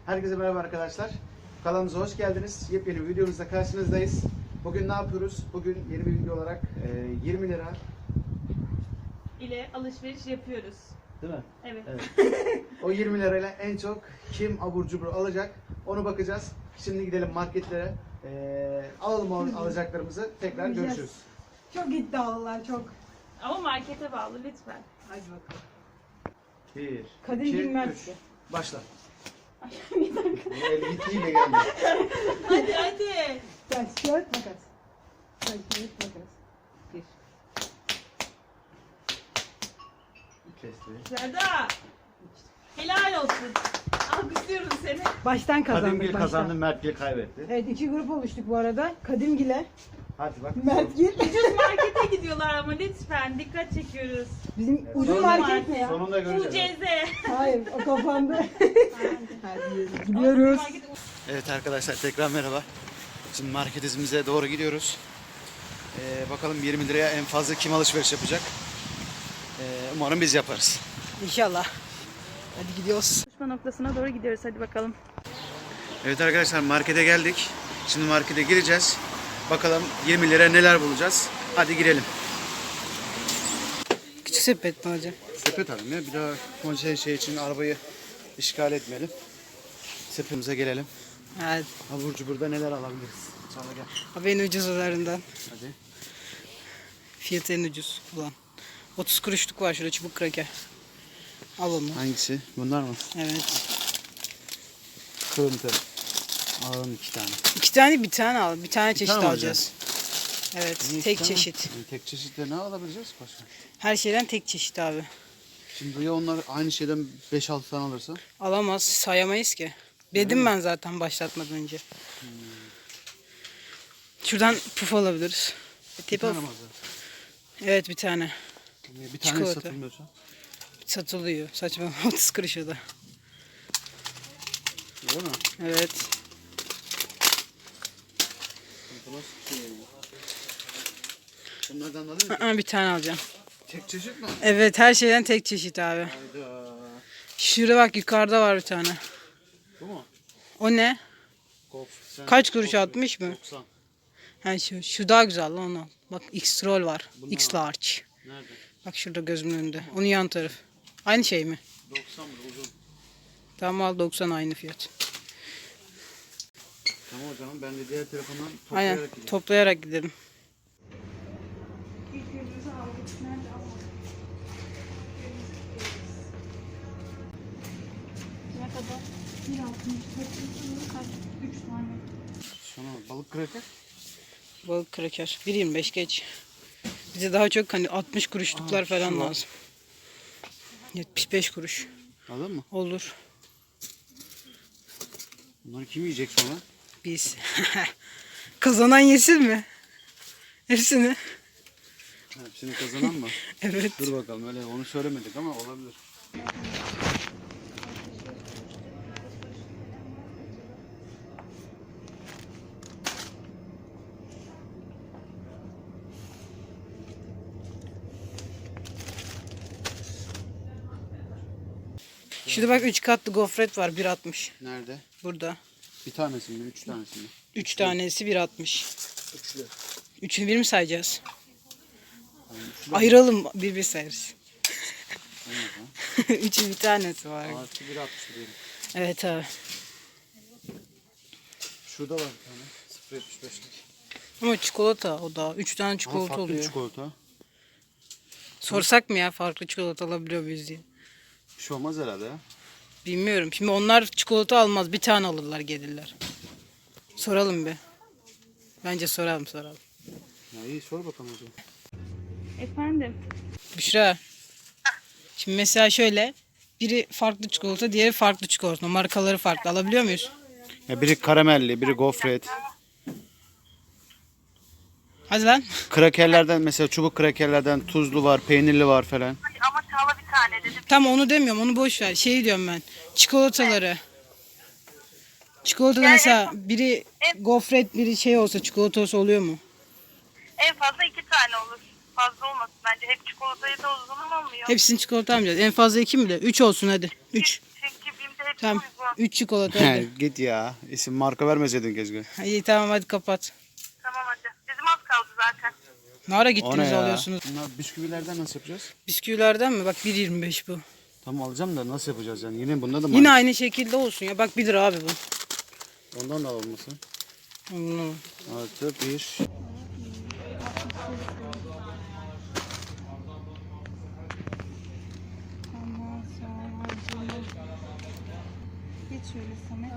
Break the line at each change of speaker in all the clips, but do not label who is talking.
Herkese merhaba arkadaşlar. Kanalımıza hoş geldiniz. Yepyeni bir videomuzda karşınızdayız. Bugün ne yapıyoruz? Bugün yeni bir video olarak 20 lira
ile alışveriş yapıyoruz.
değil mi?
Evet.
O 20 lirayla en çok kim abur cubur alacak onu bakacağız. Şimdi gidelim marketlere. Alalım alacaklarımızı. Tekrar görüşürüz.
Çok iddialılar çok.
Ama markete bağlı lütfen.
Hadi bakalım.
1,
Kadir
2,
bilmez
3.
ki.
Başla.
Bir dakika.
El gittiğiyle geldi.
Hadi.
Taş, kağıt, makas. Taş, kağıt, makas. Bir.
Kesti.
Serda. Helal olsun. Alkışlıyorum seni.
Baştan kazandık.
Kadimgil
baştan.
kazandı, Mertgil kaybetti.
Evet, iki grup oluştuk bu arada. Kadimgil'e,
Hadi bak.
Mertgil.
Ucuz markete gidiyorlar ama lütfen dikkat çekiyoruz.
Bizim
Evet,
ucuz
sonunda-
market ne ya?
Sonunda göreceğiz.
UCZ.
Hayır, o kapandı. Hadi gidiyoruz.
Evet arkadaşlar tekrar merhaba. Şimdi marketimize doğru gidiyoruz. Bakalım 20 liraya en fazla kim alışveriş yapacak? Umarım biz yaparız.
İnşallah. Hadi gidiyoruz.
Buluşma noktasına doğru gidiyoruz. Hadi bakalım.
Evet arkadaşlar markete geldik. Şimdi markete gireceğiz. Bakalım 20 liraya neler bulacağız. Hadi girelim.
Küçük sepet mi hocam?
Sepet alalım ya. Bir daha şey için arabayı işgal etmeyelim. Sepetimize gelelim.
Evet.
Abur cuburda neler alabiliriz? Çağla gel.
Haberin ucuzlarından.
Hadi.
Fiyatı en ucuz olan. 30 kuruşluk var şurada çubuk kraker. Al onu.
Hangisi? Bunlar mı?
Evet.
Kırıntı. Alalım 2 tane.
İki tane bir tane al. Bir tane çeşit
tane mi
alacağız. Evet.
Niye
Tek
iki tane?
çeşit.
Tek çeşitle ne alabileceğiz başka?
Her şeyden tek çeşit abi.
Şimdi ya onlar aynı şeyden 5-6 tane alırsa?
Alamaz. Sayamayız ki. Dedim ben zaten başlatmadan önce. Şuradan puf alabiliriz.
Bir
Tip
tane
of.
mi alacağız?
Evet bir tane.
Niye bir tane
Çikolata.
satılmıyorsa?
Satılıyor. Saçma. 30 kuruşa da.
Öyle mi?
Evet.
Bu nasıl bir şey ya? Bunlardan alıyor musun?
Bir tane alacağım.
Tek çeşit mi?
Evet her şeyden tek çeşit abi.
Hayda.
Şurada bak yukarıda var bir tane.
Bu mu?
O ne?
Kof. Sen
Kaç kuruş,
kof-
60 mı?
90.
Ha şu daha güzel lan onu. Bak X-Roll var.
Bunlar
X-Large.
Nerede?
Bak şurada gözümün önünde. Onun yan taraf. Aynı şey mi?
90 mı? Uzun.
Tamam al 90 aynı fiyat.
Tamam o zaman ben de diğer telefondan
Aynen
toplayarak gideyim.
toplayarak gidelim.
Ne kadar? 3 tane.
Şuna balık kraker.
Balık kraker. 1.25 geç. Bize daha çok hani 60 kuruşluklar falan
şu var.
lazım. 75 kuruş.
Aldın mı?
Olur.
Bunları kim yiyecek sonra?
Biz. Kazanan yesin mi? Hepsini.
Hepsini kazanan mı?
Evet.
Dur bakalım öyle onu söylemedik ama olabilir.
Şurada bak 3 katlı gofret var 1.60.
Nerede?
Burada.
Bir tanesi mi? 3 tanesi mi?
3 tanesi 1.60.
Üçlü.
Üçünü bir mi sayacağız?
Üçlü.
Ayıralım bir sayarız.
Aynen.
Üçü bir tanesi var.
Artı 1.60 diyelim.
Evet abi.
Şurada var bir tane. 0.75'lik.
Ama çikolata o da. 3 tane
Ama
çikolata
farklı
oluyor.
çikolata.
Sorsak mı ya farklı çikolata alabiliyor muyuz diye.
Bir şey olmaz herhalde ya.
Bilmiyorum. Şimdi onlar çikolata almaz. Bir tane alırlar gelirler. Soralım bir. Bence soralım.
Ya iyi sor bakalım o zaman.
Efendim.
Büşra. Şimdi mesela şöyle. Biri farklı çikolata, diğeri farklı çikolata. Markaları farklı. Alabiliyor muyuz?
Ya biri karamelli, biri gofret.
Hadi lan.
Krakerlerden mesela çubuk krakerlerden tuzlu var, peynirli var falan.
Ama Çağla bir tane dedim.
Tamam onu demiyorum. Onu boş ver. Şey diyorum ben. Çikolataları. Çikolatada mesela biri gofret, biri şey olsa çikolata olsa oluyor mu?
En fazla 2 tane olur. Fazla olmasın bence. Hep çikolatayı da o zaman olmuyor.
Hepsini çikolata almayacağız. En fazla 2 mi de? 3 olsun hadi. 3.
Çünkü BİM'de hepsi
Tamam.
uygun.
3 çikolata hadi.
Git ya. İsim marka vermeseydin keşke.
İyi tamam hadi kapat.
Tamam hadi. Bizim az kaldı zaten.
Ne ara
O ne
gittiniz
ya?
alıyorsunuz?
Bunlar bisküvilerden nasıl yapacağız?
Bisküvilerden mi? Bak 1.25 bu.
Tamam alacağım da nasıl yapacağız yani? Yine bunda da mı?
Yine aynı şekilde olsun ya. Bak 1 lira abi bu.
Ondan da olmasın.
Hmm.
Artı 1.
Ondan sonra geç şöyle Samet.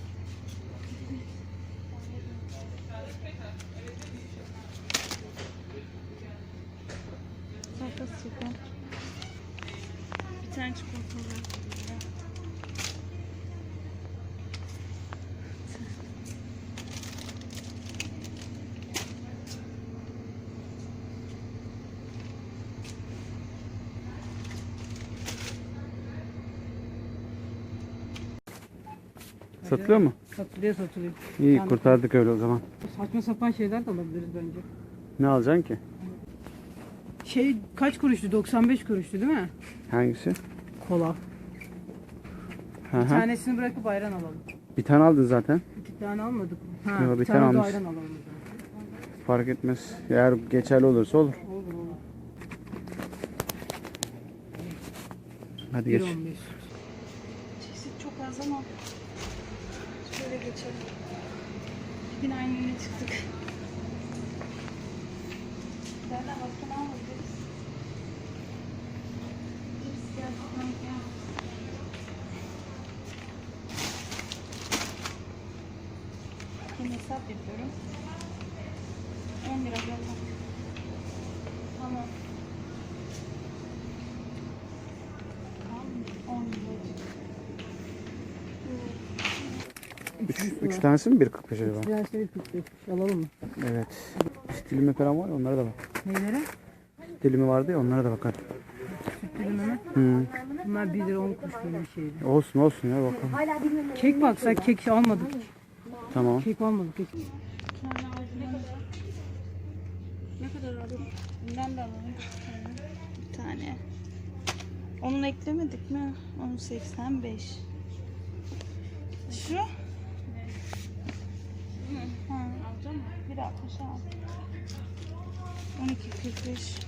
Sakız çıkar. Bir tane çikolata var.
Satılıyor mu?
Satılıyor satılıyor.
İyi
Yani
kurtardık öyle o zaman.
saçma sapan şeyler de alabiliriz bence.
Ne alacaksın ki?
Şey kaç kuruştu? 95 kuruştu değil mi?
Hangisi?
Kola.
Hı
Bir
hı.
tanesini bırakıp ayran alalım.
Bir tane aldın zaten.
2 tane almadık mı? Ha,
Yo,
bir
bir
tane
tane
de
almış.
ayran alalım. o zaman.
Fark etmez. Eğer geçerli olursa olur.
Olur olur.
Hadi geç.
1.15.
Çeşit çok az ama şöyle geçelim. Yine aynı yere çıktık. Nereden başka ne alabiliriz? Cips gerçekten ya. Şimdi hesap yapıyorum. 10 lira zaten. Tamam. Tamam, 10 lira.
Üç tanesi mi 1.45 acaba?
Biraz şey 45 alalım mı?
Evet. Süt dilimi falan var ya onlara da bak.
Neylere?
Süt dilimi vardı ya onlara da bakar.
Dilimi mi?
Hı.
Bunlar 1 lira 10 kuruş böyle bir şeydi.
Olsun olsun ya bakalım.
Kek baksak kek almadık.
Tamam.
Kek almadık. Kek.
Ne kadar alalım? Bundan da alalım. Bir tane. Onu eklemedik mi? 10.85. Şu? Ha, alacağım mı? 1.60 al. 12.45.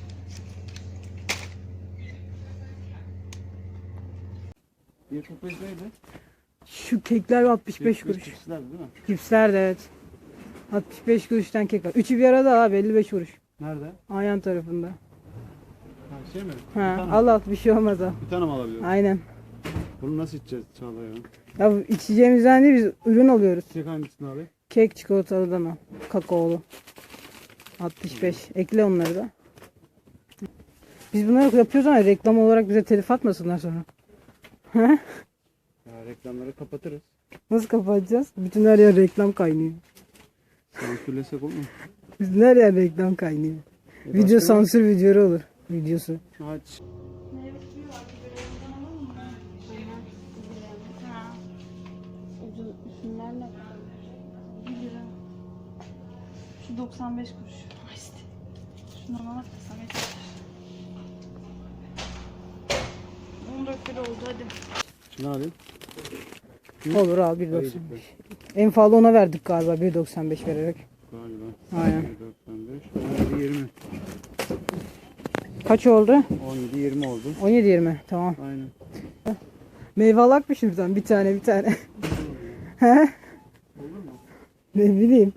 neydi?
Şu kekler 65 kuruş.
Cipsler değil mi?
Cipsler de evet. 65 kuruştan kek var. Üçü bir arada abi 55 kuruş.
Nerede?
Ayhan tarafında.
Ha, şey mi?
Ha, al al bir şey olmaz al.
Bir tane mi alabiliyorum?
Aynen.
Bunu nasıl içeceğiz Çağla ya?
Ya bu içeceğimizden değil biz ürün alıyoruz.
Çek hangisini abi?
Kek çikolatalıdan al. Kakaolu. 65. Ekle onları da. Biz bunları yapıyoruz ama reklam olarak bize telif atmasınlar sonra.
Ya reklamları kapatırız.
Nasıl kapatacağız? Bütün her yer reklam kaynıyor.
Sansürlesek olur mu?
Bütün her yer reklam kaynıyor. Video
başka ne?
sansür videoları olur. Videosu.
Aç.
Meyve suyu var. Biberden alalım mı? Ha. Şunlar ne? 1 lira. Şu 95 kuruş. Ay işte. Şundan alak da sana yeter. 14 lira oldu hadi.
Şunu alayım.
Olur abi 1.95. En fazla ona verdik galiba 1.95 vererek.
Galiba.
Aynen.
95. 17 20.
Kaç oldu?
17 20 oldu.
17.20 tamam.
Aynen.
Meyve alakmış buradan bir tane. He? Ne bileyim.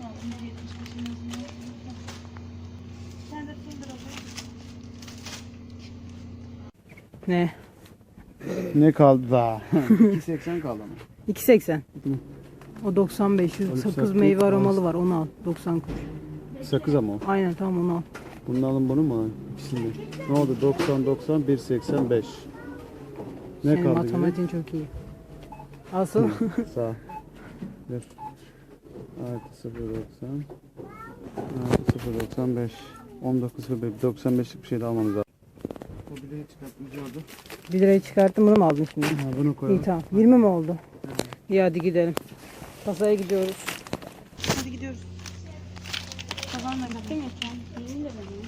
Sen de 1 lira ver.
Ne?
Ne kaldı daha? 2.80 kaldı ama.
2.80. O 95. Şu
Oğlum,
sakız
sakız
meyve
var.
aromalı var onu al. 90 kuruş.
Sakız ama o.
Aynen tamam onu al.
Bunu alın bunu mu alın? İkisini. Ne oldu? 90 90 1.85. Ne
Senin
kaldı? geriye?
matematiğin çok iyi. Alsana.
Sağ ol. Dur. Artı 0.90 artı 0.95 19.05 95'lik bir şey de almamız lazım. O bileği çıkartmayacağız.
1 lirayı çıkarttım bunu mu aldın şimdi?
Ha, bunu koyalım.
İyi tamam. 20 mi oldu? İyi hadi gidelim. Kasaya gidiyoruz.
Hadi gidiyoruz. Kazanla gittin ya sen. 20 lira mı?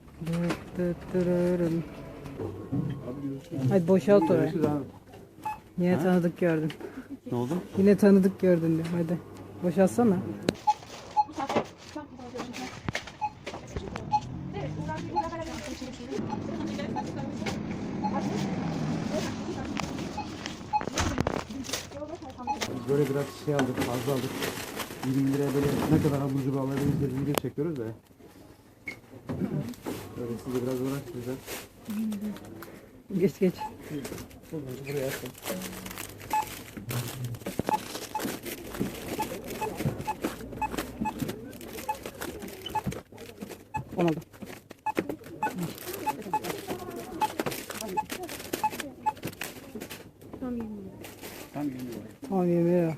Dıt dıt dırırın. Hadi boşalt oraya.
Görüşürüz abi.
Yine
Ha?
tanıdık gördün.
Ne oldu?
Yine tanıdık gördün diyorum. Hadi. Boşalsana.
Böyle biraz şey aldık, fazla aldık. 20 liraya böyle ne kadar abur cubur alabiliriz diye video çekiyoruz da. Böyle size biraz uğraştıracağız.
Geç geç.
Buraya atın.
Olmadı.
Tam 20 lira.
Tamam 20 lira.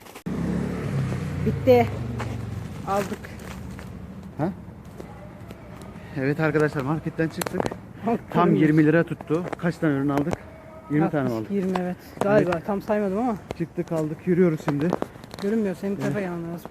Bitti. Aldık.
Ha? Evet arkadaşlar marketten çıktık.
Bak,
Tam
kırmızı.
20 lira tuttu. Kaç tane ürün aldık? 20 tane mi aldık?
20 evet. Galiba tam saymadım ama
Çıktık aldık yürüyoruz şimdi.
görünmüyor. Senin bu tarafa gelmen lazım.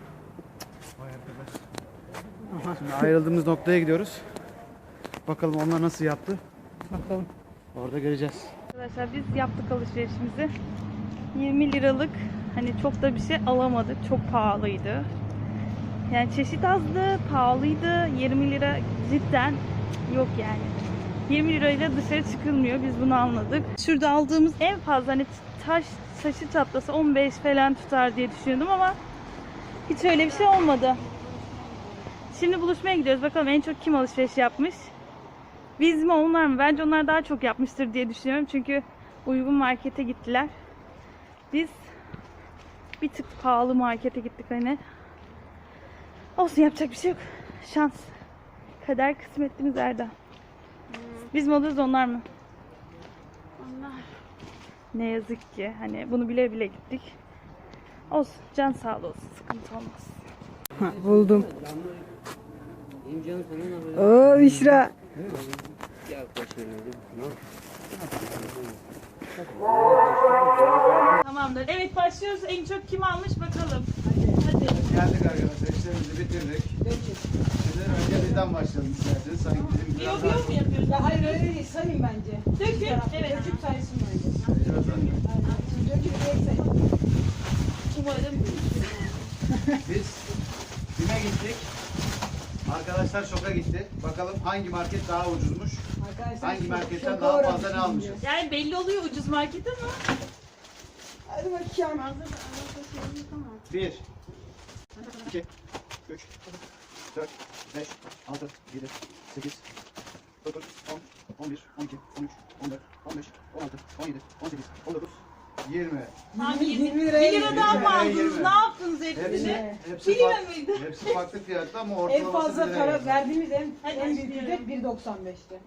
Aha,
Şimdi ayrıldığımız noktaya gidiyoruz. Bakalım onlar nasıl yaptı.
bakalım.
Orada göreceğiz.
Arkadaşlar biz yaptık alışverişimizi. 20 liralık hani çok da bir şey alamadık. Çok pahalıydı. Yani çeşit azdı, pahalıydı. 20 lira cidden yok yani. 20 lirayla dışarı çıkılmıyor. Biz bunu anladık. Şurada aldığımız en fazla hani taşı çatlasa 15 falan tutar diye düşünüyordum ama hiç öyle bir şey olmadı. Şimdi buluşmaya gidiyoruz. Bakalım en çok kim alışveriş yapmış? Biz mi onlar mı? Bence onlar daha çok yapmıştır diye düşünüyorum. Çünkü uygun markete gittiler. Biz bir tık pahalı markete gittik hani. Olsun yapacak bir şey yok. Şans. Kader kısmetimiz Erdem. Biz mi alıyoruz onlar mı? Onlar. Ne yazık ki hani bunu bile bile gittik. Olsun can sağlığı olsun sıkıntı olmaz.
Ha, buldum. Oo Büşra.
Tamamdır. Evet başlıyoruz. En çok kim almış bakalım. Hadi.
Geldik arkadaşlar işlerimizi bitirdik. Şimdi önce bizden başlayalım isterseniz. Sanki bizim biraz daha...
Yok mu yapıyoruz?
Hayır öyle değil. Sayın bence.
Dökün. Evet.
Döküp saysın bence.
Biraz daha-
Döküp sayın.
Umarım.
Biz BİM'e gittik. Arkadaşlar şoka gitti. Bakalım hangi market daha ucuzmuş.
Arkadaşlar,
Hangi marketten
şoka
daha
uğradık
fazla ne
şimdi.
almışız.
Yani belli oluyor ucuz market ama.
Hadi bakayım.
1 2 3 4 5 6 7 8 9 10 11 12 13 14 15 16 17 18 19 20
Abi
20
1
liraya
liradan mı
20.
aldınız? Ne yaptınız hepsini?
Hepsi
1 lira
farklı,
mıydı?
hepsi farklı fiyatta ama
En
ortalaması
fazla
1 liraya
para
geldi.
verdiğimiz
Hadi
en büyük
başlayalım.
ücret 1.95'ti.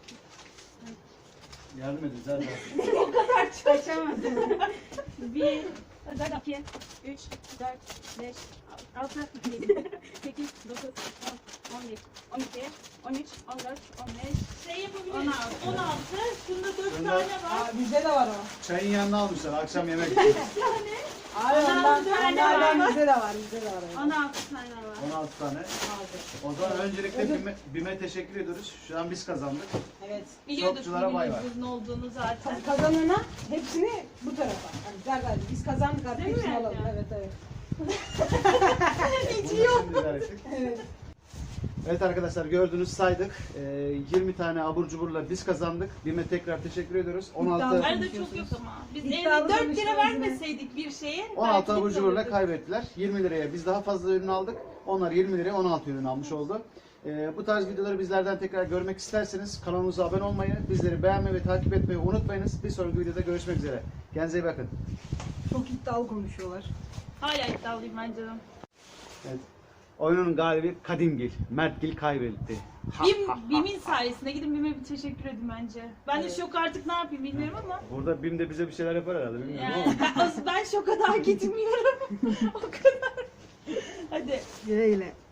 Yardım edin Zerda.
Kaçamadım. 1, 2, 3, 4, 5, 6, 7, 8, 9, 10, 11, 12, 13, 14, 15, şey yapabiliriz. 16. Şunda 4
Şunda-
tane var.
Bizde de var o.
Çayın yanına almışlar akşam yemek için.
Abi ondan
tane
bizde de var. Bizde de var.
16 tane var.
16 tane. O zaman öncelikle BİM'e teşekkür ediyoruz. Şu an biz kazandık.
Evet.
Biliyorduk
Shopçulara bay bay.
bunun ne olduğunu zaten.
Kazanana hepsini bu tarafa. Yani Zerda biz kazandık artık
Değil mi
hepsini alalım.
Erdem?
Evet evet.
Bunu şimdi öğrettik.
Evet.
Evet arkadaşlar gördünüz saydık. 20 tane abur cuburla biz kazandık. BİM'e tekrar teşekkür ediyoruz. 16
Arada çok yok ama. Biz
İddialı
4 lira
konuşuyoruz
vermeseydik bir şeye.
16
belki
abur
biz
cuburla
alırdık.
kaybettiler. 20 liraya biz daha fazla ürün aldık. Onlar 20 liraya 16 ürün almış oldu. Bu tarz videoları bizlerden tekrar görmek isterseniz kanalımıza abone olmayı, bizleri beğenmeyi ve takip etmeyi unutmayınız. Bir sonraki videoda görüşmek üzere. Kendinize iyi bakın.
Çok iddialı konuşuyorlar.
Hala iddialıyım ben canım.
Evet. Oyunun galibi Kadimgil. Mertgil kaybetti.
BİM'in sayesinde gidin BİM'e bir teşekkür edin bence. Ben de şok artık ne yapayım bilmiyorum ama.
Burada BİM de bize bir şeyler yapar herhalde. Bilmiyorum
Yani ben şoka daha gitmiyorum. O kadar. Hadi.
Güle güle.